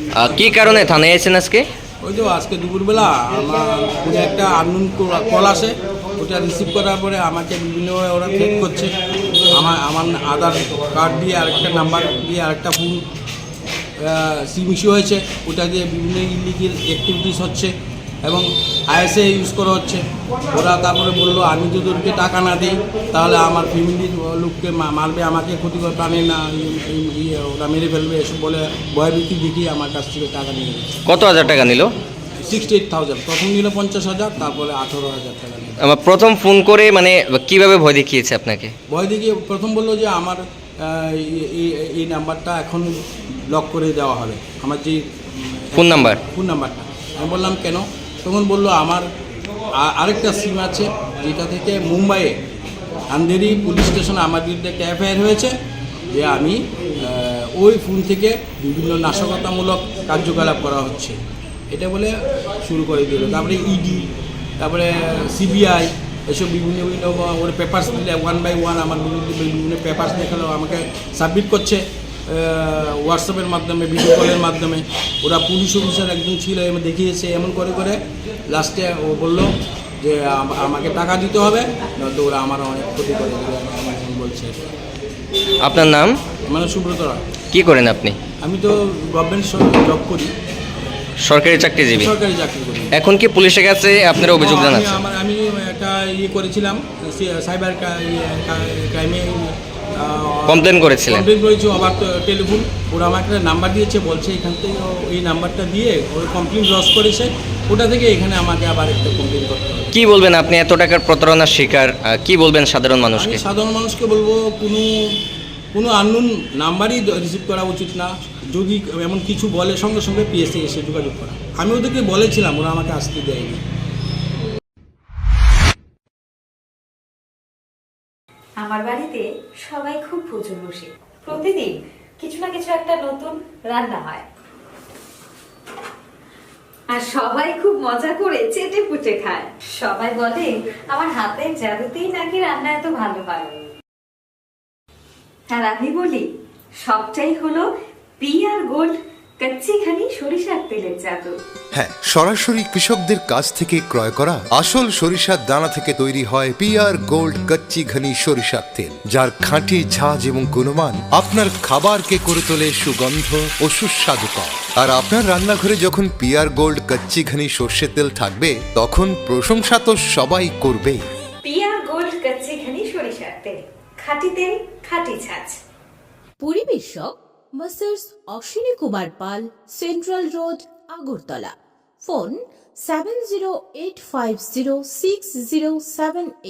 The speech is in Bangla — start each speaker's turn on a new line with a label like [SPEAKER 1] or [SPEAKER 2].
[SPEAKER 1] কি কারণে থানায় এসেছেন আজকে?
[SPEAKER 2] ওই তো আজকে দুপুরবেলা আমার ফোনে একটা আননোন কল আসে, ওটা রিসিভ করার পরে আমাকে বিভিন্নভাবে ওরা থ্রেট করছে। আমার আধার কার্ড দিয়ে আরেকটা নাম্বার দিয়ে আরেকটা ফোন সিম ইস্যু হয়েছে, ওটা দিয়ে বিভিন্ন ইলিগেল অ্যাক্টিভিটিস হচ্ছে এবং আইএসএ ইউজ করা হচ্ছে। ওরা তারপরে বললো আমি যদি ওদেরকে টাকা না দিই তাহলে আমার ফ্যামিলির লোককে মারবে, আমাকে ক্ষতিকর প্রাণে না ওরা মেরে ফেলবে, এসব বলে ভয়ভীতি দেখিয়ে আমার কাছ থেকে টাকা নিয়ে গেছে।
[SPEAKER 1] কত হাজার টাকা নিল?
[SPEAKER 2] 68,000। প্রথম নিল 50,000, তারপরে 18,000 টাকা নিল।
[SPEAKER 1] আমার প্রথম ফোন করে মানে কিভাবে ভয় দেখিয়েছে আপনাকে?
[SPEAKER 2] ভয় দেখিয়ে প্রথম বললো যে আমার এই নাম্বারটা এখন ব্লক করে দেওয়া হবে, আমার যে
[SPEAKER 1] ফোন
[SPEAKER 2] নাম্বারটা। আমি বললাম কেন? তখন বললো আমার আরেকটা সিম আছে যেটা থেকে মুম্বাইয়ে আন্ধেরি পুলিশ স্টেশনে আমার বিরুদ্ধে একটা এফআইআর হয়েছে যে আমি ওই ফোন থেকে বিভিন্ন নাশকতামূলক কার্যকলাপ করা হচ্ছে, এটা বলে শুরু করে দিল। তারপরে ইডি, তারপরে সিবিআই, এসব বিভিন্ন ওর পেপারস দিলে 1 by 1 আমার বিরুদ্ধে বিভিন্ন পেপারস দেখালো, আমাকে সাবমিট করছে হোয়াটসঅ্যাপের মাধ্যমে, ভিডিও কলের মাধ্যমে। ওরা পুলিশ অফিসার একজন ছিল, দেখিয়েছে এমন করে করে লাস্টে ও বললো যে আমাকে টাকা দিতে হবে, নয়তো ওরা আমার অনেক ক্ষতি করে দেবে, আমার বলছে।
[SPEAKER 1] আপনার নাম?
[SPEAKER 2] মানে সুব্রত রায়।
[SPEAKER 1] কি করেন আপনি?
[SPEAKER 2] আমি তো গভর্নমেন্ট জব করি,
[SPEAKER 1] সরকারি চাকরিজীবী।
[SPEAKER 2] সরকারি চাকরি করি।
[SPEAKER 1] এখন কি পুলিশের কাছে আপনার অভিযোগ জানাচ্ছেন?
[SPEAKER 2] আমি একটা করেছিলাম, সাইবার ক্রাইমে
[SPEAKER 1] কমপ্লেন করেছিলেন?
[SPEAKER 2] কমপ্লেন করেছি। আবার টেলিফোন ওরা আমাকে একটা নাম্বার দিয়েছে, বলছে এখান থেকে এই নাম্বারটা দিয়ে ওর কমপ্লেন লস করেছে, ওটা থেকে এখানে আমাকে আবার একটা কমপ্লেন করতে হবে।
[SPEAKER 1] কি বলবেন আপনি এত টাকার প্রতারণার শিকার, কি বলবেন সাধারণ মানুষকে?
[SPEAKER 2] সাধারণ মানুষকে বলবো কোনো আননোন নাম্বারই রিসিভ করা উচিত না। যদি এমন কিছু বলে সঙ্গে সঙ্গে পিএসএ এসে যোগাযোগ করা। আমি ওদেরকে বলেছিলাম, ওরা আমাকে আসতে দেয়নি।
[SPEAKER 3] আমার বাড়িতে সবাই খুব প্রচুর বসে, প্রতিদিন কিছু না কিছু একটা নতুন রান্না হয়, আর সবাই খুব মজা করে চেটে পুটে খায়। সবাই বলে আমার হাতের জাদুতেই নাকি রান্না এত ভালো হয়। আর আমি বলি সবটাই হলো পিআর গোল্ড কচ্চিখানি সরিষার তেলের জাদু।
[SPEAKER 4] হ্যাঁ, সরাসরি কৃষকদের কাছ থেকে ক্রয় করা আসল সরিষার দানা থেকে তৈরি হয় পিআর গোল্ড কচ্চি ঘনি সরিষার তেল, যার খাঁটি ঝাঁজ এবং গুণমান আপনার খাবারকে করে তোলে সুগন্ধ ও সুস্বাদুকর। আর আপনার রান্নাঘরে যখন পিআর গোল্ড কচ্চি ঘনি সর্ষের তেল থাকবে, তখন প্রশংসা তো সবাই করবে।
[SPEAKER 3] পিআর গোল্ড কচ্চিখানি সরিষার তেল, খাঁটি তেল, খাঁটি ছাঁচ।
[SPEAKER 5] পরিবেশক masters Ashwini Kumar Pal, central road, Agartala. Phone 70850607